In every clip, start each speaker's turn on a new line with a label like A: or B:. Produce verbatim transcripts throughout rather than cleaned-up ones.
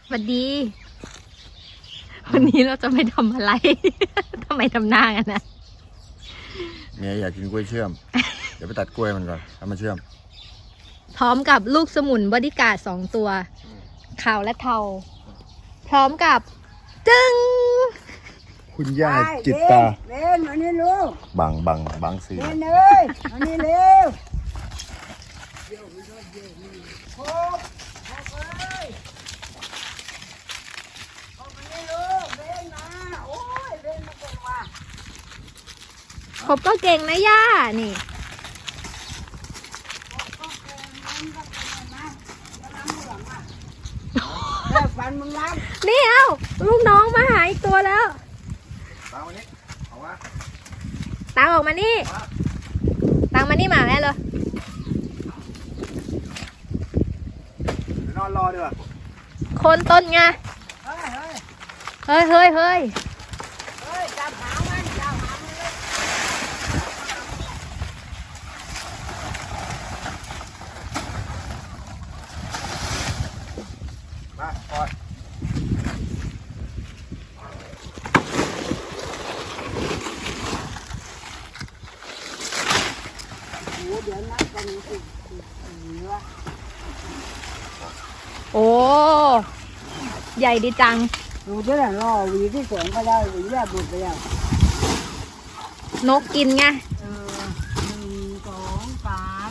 A: สวัสดีวันนี้เราจะไปทำอะไร ทำไมทำหน้ากันนะ
B: เมียอยากกินกล้วยเชื่อม เดี๋ยวไปตัดกล้วยมันก่อนเอามาเชื่อม
A: พร้อมกับลูกสมุนบอดี้การ์ดสองตัวขาวและเทาพร้อมกับจึง
B: คุณย่าจิตตา
C: เล่นมานี่ลูก
B: บังบังบังสี
C: เล่นเลยมานี่เร็วโคบโคบเลยโคบมานี่ลูกเล่นมาโอ้ยเล่นมาเก่งว่ะ
A: ครบก็เก่งนะย่านี่
C: แล้ฟันมึงรับ
A: นี่เอ้าลูกน้องมาหาอีกตัวแล้ว
B: ตามวันนี้เอาวะ
A: ตังออกมานี่ตังมานี่หมาแม่เลย
B: ไปนอนรอดีกว่า
A: คนต้นไง
C: เฮ้ยเฮ้ย
A: เฮ้ยเฮ้ยเฮ้ย
C: เฮ้ยจับหางมันจับหางมันเลย
B: มาปล่อย
C: โอ้เดี๋ยวนัดกันสิเหลือ
A: โอ้ใหญ่ดีจัง
C: ดูจะได้รอหวีที่สองก็ได้หวีแรกบุดไปแล้ว
A: นกกินไง
C: เออหนึ่งสองสาม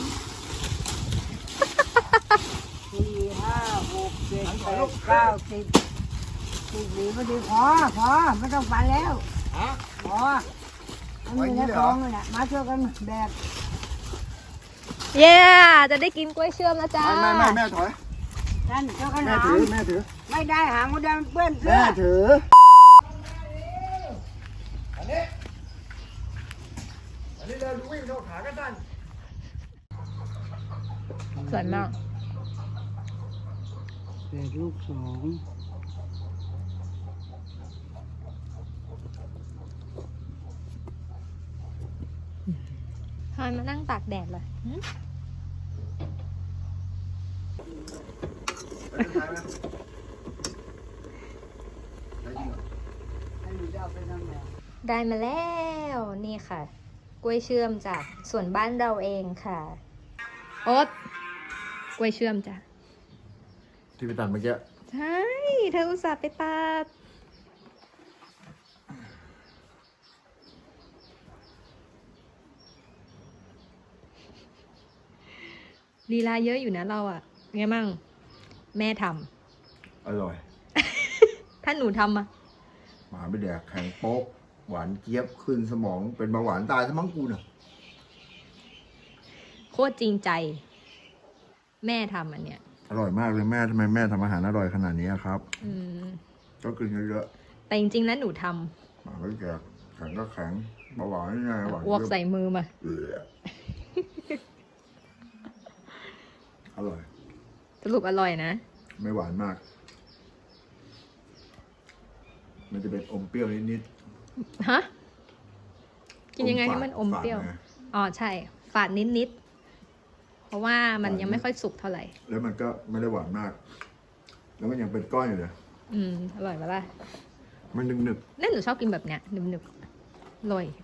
C: สี่ห้าหกเจ็ดแปดเก้าสิบสิบหวีพอดีพอพอไม่ต้องฟันแล้ว
B: ฮะ
C: พอมันมีในท้องเลยนะมาช่วยกันแบก
A: เย้จะได้กินกล้วยเชื่อมแล้วจ้า
B: ไม่ไม่ไม่แม่ถอย
C: ท่านช่วยกัน
B: แม่
C: หา
B: ถือแม่ถือ
C: ไม่ได้หางมันเดินเปื้อนเสื้
B: แม่
C: อ
B: ถืออันนี้อันนี้เดินวิ่งเข้าขากันสั้น
A: สวยมาก
C: แบกลูกสอง
A: ทำไมมานั่งตากแดดเลยหึ
B: ไปทางนะได้จริงเหรอ
C: ให้หนูจะเอาไปทำไง
A: ได้มาแล้ว นี่ค่ะ กล้วยเชื่อมจากส่วนบ้านเราเองค่ะ โอ๊ตกล้วยเชื่อมจ้ะ
B: ที่ไปตัดเมื่อกี้
A: ใช่ เธออุตส่าห์ไปตัด ลีลาเยอะอยู่นะเราอะไงมั่ง แม่ท
B: อร่อย
A: ำ ถ้าหนูทำอะ
B: หมาไม่แดกแข็งโป๊กหวานเจี๊ยบขึ้นสมองเป็นเบาหวานตายซะมั้งกูน่ะ
A: โคตรจริงใจ แม่ทำอันเนี้ย
B: อร่อยมากเลยแม่ทำไมแม่ทำอาหารอร่อยขนาดนี้อะครับ
A: อืม
B: ก็กินเยอะ
A: แต่จริงๆแล้วหนูท
B: ๆหมาไม่แดกแข็งก็แข็งเบาหวานนี่ไงหวาน
A: ำอ้วกใส่มือมา
B: เอออร่อย
A: สรุปอร่อยนะ
B: ไม่หวานมาก มันจะเป็นอมเปรี้ยวนิด
A: ฮะ
B: ๆ
A: กินยังไงให้มันอมเปรี้ยว
B: ฝาดไง
A: อ๋อใช่ ฝาดนิดๆ เพราะว่ามันยังไม่ค่อยสุกเท่าไหร่
B: แล้วมันก็ไม่ได้หวานมาก แล้วมันยังเป็นก้อนอยู่เลย
A: อืม อร่อยปะล่ะ
B: มันนึก
A: นั่นหนูชอบกินแบบเนี้ยหนึบๆอร่อย